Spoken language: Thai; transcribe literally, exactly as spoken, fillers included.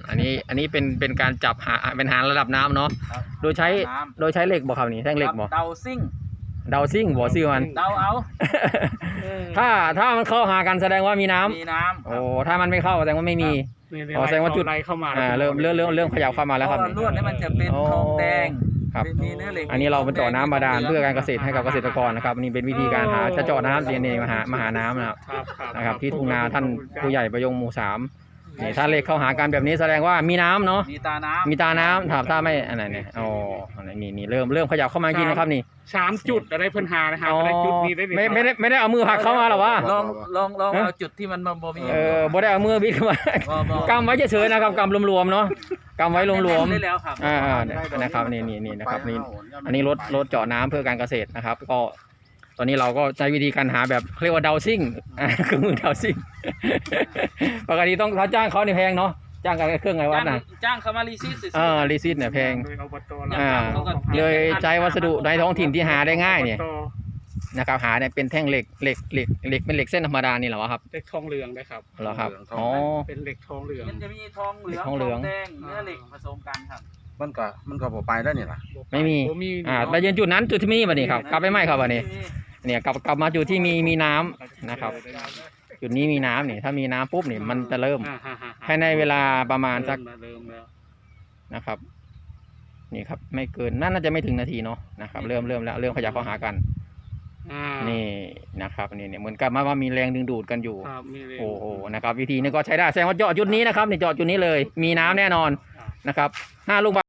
อันนี้อันนี้เป็นเป็นการจับหาเป็นหาระดับน้ำเนาะโดยใช้โดยใช้เหล็กบ่ครับนี่แท่งเหล็กบ่เดาซิ่งเดาซิ่งบ่ซื้อมันเดาเอาถ้าถ้ามันเข้าหากันแสดงว่ามีน้ำมีน้ำโอ้ถ้ามันไม่เข้าแสดงว่าไม่มีอ๋อแสดงว่าจุดไรเข้ามาอ่าเริ่มเริ่มเริ่มเริ่มขยับเข้ามาแล้วครับลวดนี่มันจะเป็นทองแดงครับมีเนื้อเหล็กอันนี้เราเป็นเจาะน้ำบาดาลเพื่อการเกษตรให้กับเกษตรกรนะครับนี่เป็นวิธีการหาจะเจาะน้ำเรียนเองมาหามาหาน้ำนะครับนะครับที่ทุ่งนาท่านผู้ใหญ่ประยงหมู่สามนี่ถ้าเหล็กเข้าหากันแบบนี้แสดงว่ามีน้ำเนาะมีตาน้ำมีตาน้ำถามถ้าไม่อะไรเนี่ยอ๋อนี่นี่เริ่มเริ่มขยับเข้ามากินนะครับนี่สามจุดอะไรเพิ่นหานะครับอะไรจุดนี้ได้ไม่ไม่ได้ไม่ได้เอามือหักเข้ามาหรอวะลองลองลองเอาจุดที่มันบ่มีเออบ่ได้เอามือบิดเข้ามากำไว้เฉยๆนะครับกำรวมๆเนาะกำไว้รวมๆได้แล้วครับอ่านะครับนี่นี่นี่นะครับนี่อันนี้รถรถเจาะน้ำเพื่อการเกษตรนะครับก็ตอนนี้เราก็ใช้วิธีการหาแบบเรียกว่าดาวซิ่งคือมือดาวซิ่งปกติต้องถ้าจ้างเขาในแพงเนาะจ้างกันเครื่องไงวัดนะจ้างเขามารีซิสเออรีซิสเนี่ยแพงอ่าเลยใช้วัสดุในท้องถิ่นที่หาได้ง่ายเนี่ยนะครับหาเนี่ยเป็นแท่งเหล็กเหล็กเหล็กเหล็กเป็นเหล็กเส้นธรรมดานี่เหรอครับเหล็กทองเหลืองได้ครับเหรอครับอ๋อเป็นเหล็กทองเหลืองมันจะมีทองเหลืองทองแดงเนื้อเหล็กผสมกันครับมันก็มันก็บ่ไปแล้วนี่ล่ะไม่มีอ่าไปยืนจุดนั้นจุดที่มีบัดนี้ครับกลับไปไหมครับบัดนี้เนี่ยกลับกลับมาจุดที่มีมีน้ำนะครับจุดนี้มีน้ำเนี่ยถ้ามีน้ำปุ๊บเนี่ยมันจะเริ่มภายในเวลาประมาณสักนะครับนี่ครับไม่เกินน่าจะไม่ถึงนาทีเนาะนะครับเริ่มเริ่มแล้วเริ่มขยับเข้าหากันนี่นะครับนี่เนี่ยเหมือนกับว่ามีแรงดึงดูดกันอยู่โอ้โหนะครับวิธีนี้ก็ใช้ได้แสดงว่าเจาะจุดนี้นะครับเนี่ยเจาะจุดนี้เลยมีน้ำแน่นอนนะครับห้าลูก